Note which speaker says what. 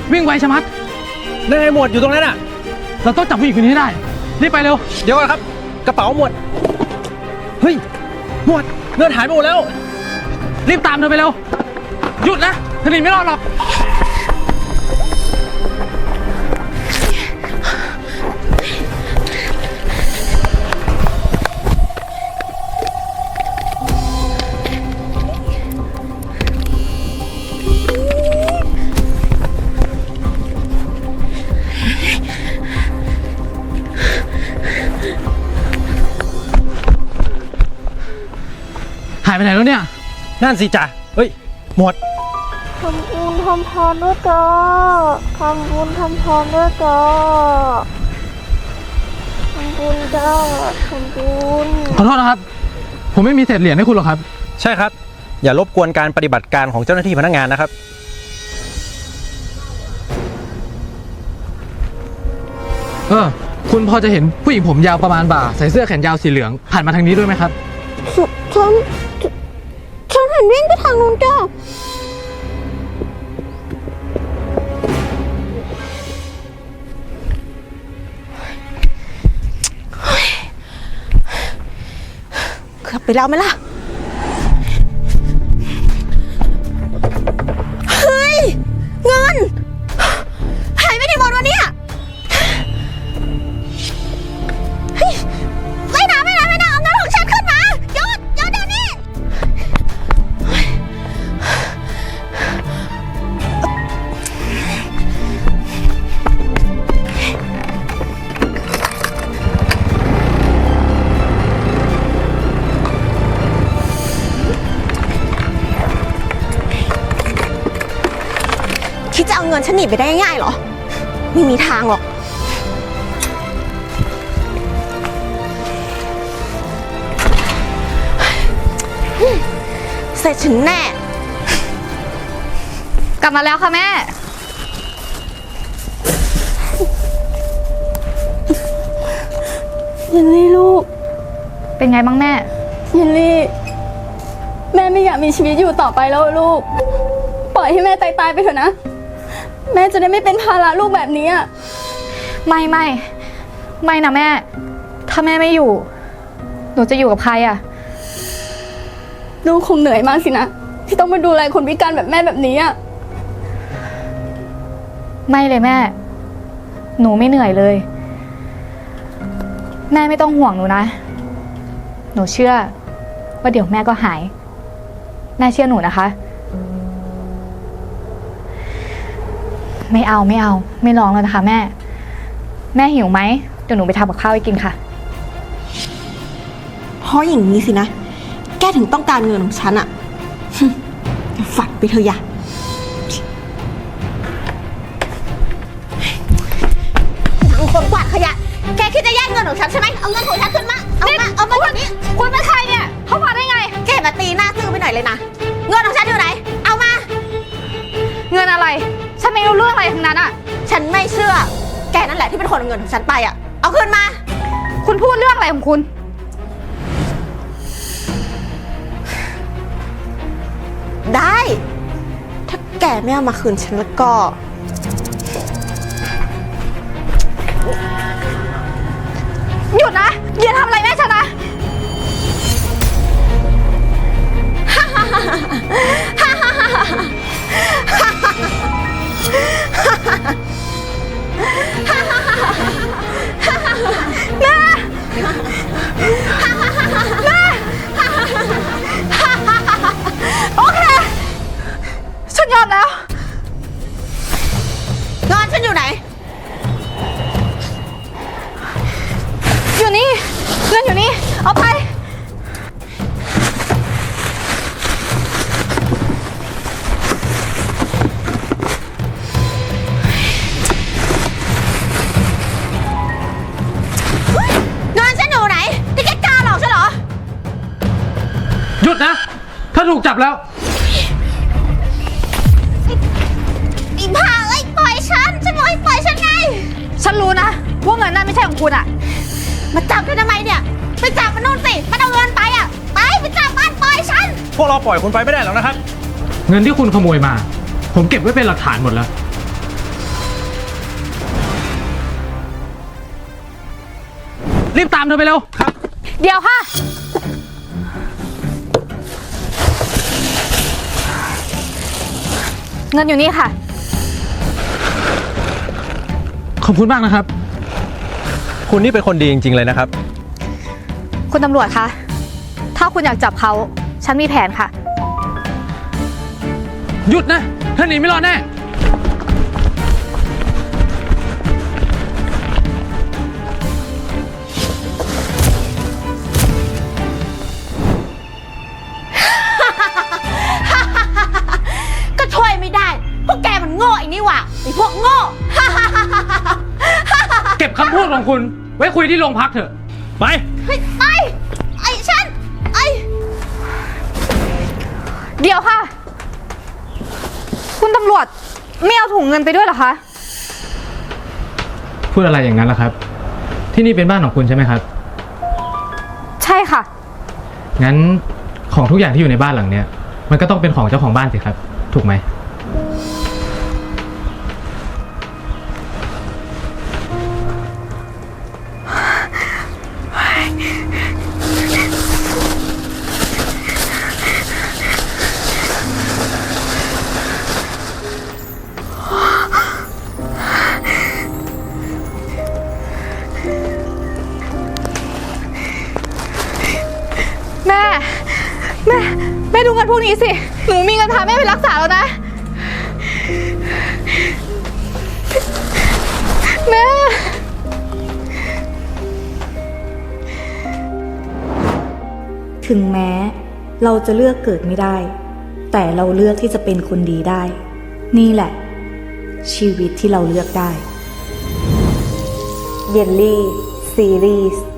Speaker 1: วิ่งไวชะมัด
Speaker 2: นั่นไงหมวดอยู่ตรงนั้นอ่ะ
Speaker 1: เราต้องจับผู้หญิงคนนี้ให้ได้รีบไปเร็ว
Speaker 2: เดี๋ยวก่อนครับกระเป๋าหมวดเฮ้ยหมวดเงินหายไปหมดแล้ว
Speaker 1: รีบตามเธอไปเร็วหยุดนะเธอหนีไม่รอดหรอกหายไปไหนแล้วเนี่ย
Speaker 2: นั่นสิจ่าเฮ้ยหมวด
Speaker 3: ทำบุญทำทานด้วยจ้าทำบุญทำทานด้วยจ้าทำบุญจ้าทำบุญ
Speaker 1: ขอโทษนะครับผมไม่มีเศษเหรียญให้คุณหรอกครับ
Speaker 2: ใช่ครับอย่ารบกวนการปฏิบัติการของเจ้าหน้าที่พนักงานนะครับ
Speaker 1: คุณพอจะเห็นผู้หญิงผมยาวประมาณบ่าใส่เสื้อแขนยาวสีเหลืองผ่านมาทางนี้ด้วยไหมครับ
Speaker 3: ฉันเห็นวิ่งไปทางนู้นจ้าเกือบไปแล้วไหมล่ะเฮ้ยเงินหายไปไหนหมดวะเนี่ยไม่นะเอาเงินของฉันขึ้นมาหยุดเดี๋ยวนี้คิดจะเอาเงินฉันหนีไปได้ง่ายๆเหรอไม่มีทางหรอกเสร็จฉันแน่
Speaker 4: กลับมาแล้วค่ะแม่
Speaker 3: ยินลี่ลูก
Speaker 4: เป็นไงบ้างแม่
Speaker 3: ยินลี่แม่ไม่อยากมีชีวิตอยู่ต่อไปแล้วลูกปล่อยให้แม่ตายไปเถอะนะแม่จะได้ไม่เป็นภาระลูกแบบนี้อ่ะ
Speaker 4: ไม่นะแม่ถ้าแม่ไม่อยู่หนูจะอยู่กับใครอ่ะ
Speaker 3: ลูกคงเหนื่อยมากสินะที่ต้องมาดูแลคนพิการแบบแม่แบบนี้อ่ะ
Speaker 4: ไม่เลยแม่หนูไม่เหนื่อยเลยแม่ไม่ต้องห่วงหนูนะหนูเชื่อว่าเดี๋ยวแม่ก็หายแม่เชื่อหนูนะคะไม่เอาไม่ร้องแล้วนะคะแม่หิวไหมเดี๋ยวหนูไปทำกับข้าวให้กินค่ะ
Speaker 3: เพราะอย่างนี้สินะแกถึงต้องการเงินของฉันอะฝันไปเถอะอย่าคนกวาดขยะแกคิดจะแย่งเงินของฉันใช่ไหมเอาเงินของฉันขึ้นมาเอามาแบบนี้
Speaker 4: คุณเป็นใครเนี่ยเข้ามาได้ไง
Speaker 3: แกมาตีหน้าซื่อไปหน่อยเลยนะเงินของฉันอยู่ไหนเอามา
Speaker 4: เงินอะไรฉันไม่รู้เรื่องอะไรทั้งนั้นอะ
Speaker 3: ฉันไม่เชื่อแกนั่นแหละที่เป็นคนเอาเงินของฉันไปอะเอาคืนมา
Speaker 4: คุณพูดเรื่องอะไรของคุณ
Speaker 3: ได้ถ้าแกไม่เอามาคืนฉันแล้วก็
Speaker 4: หยุดนะอย่าทำอะไรแม่ฉันนะแม่โอเคฉันยอมแล้ว
Speaker 3: เงินฉันอยู่ไหน
Speaker 4: อยู่นี่เงินอยู่นี่เอาไป
Speaker 3: เงินฉันอยู่ไหนที่แกกล้าหลอกฉันเหรอ
Speaker 1: หยุดนะถ้าถูกจับแล้ว
Speaker 3: อีบ้าเอ้ยปล่อยฉันบอกให้ปล่อยฉันไง
Speaker 4: ฉันรู้นะว่าเงินนั่นไม่ใช่ของคุณอะ
Speaker 3: มาจับฉันทำไมเนี่ยไปจับมันนู่นสิมันเอาเงินไปอะไปจับมันปล่อยฉัน
Speaker 2: พวกเราปล่อยคุณไปไม่ได้หรอกนะครับ
Speaker 1: เงินที่คุณขโมยมาผมเก็บไว้เป็นหลักฐานหมดแล้วรีบตามเธอไปเร็ว
Speaker 4: เดี๋ยวค่ะ เงินอยู่นี่ค่ะ
Speaker 1: ขอบคุณมากนะครับ
Speaker 2: คุณนี่เป็นคนดีจริงๆเลยนะครับ
Speaker 4: คุณตำรวจคะ ถ้าคุณอยากจับเขา ฉันมีแผนค่ะ
Speaker 1: หยุดนะเธอหนีไม่รอดแน่
Speaker 5: ก็ช่วยไม่ได้ พวกแกมันโง่ไอ้นี่หว่าไอ้พวกโง่
Speaker 1: เก็บคำพูดของคุณ ไว้คุยที่โรงพักเถอะ ไป
Speaker 5: ไปไอ้ฉันไอ้
Speaker 4: เดี๋ยวค่ะ คุณตำรวจไม่เอาถุงเงินไปด้วยเหรอคะ
Speaker 1: พูดอะไรอย่างนั้นล่ะครับ ที่นี่เป็นบ้านของคุณใช่ไหมครับ
Speaker 4: ใช่ค่ะ
Speaker 1: งั้นของทุกอย่างที่อยู่ในบ้านหลังเนี้ยมันก็ต้องเป็นของเจ้าของบ้านสิครับ ถูกไหม
Speaker 4: แม่ดูเงินพวกนี้สิ หนูมีเงินพาแม่ไปรักษาแล้วนะ แม่
Speaker 6: ถึงแม้เราจะเลือกเกิดไม่ได้ แต่เราเลือกที่จะเป็นคนดีได้ นี่แหละ ชีวิตที่เราเลือกได้ เยลลี่ซีรีส์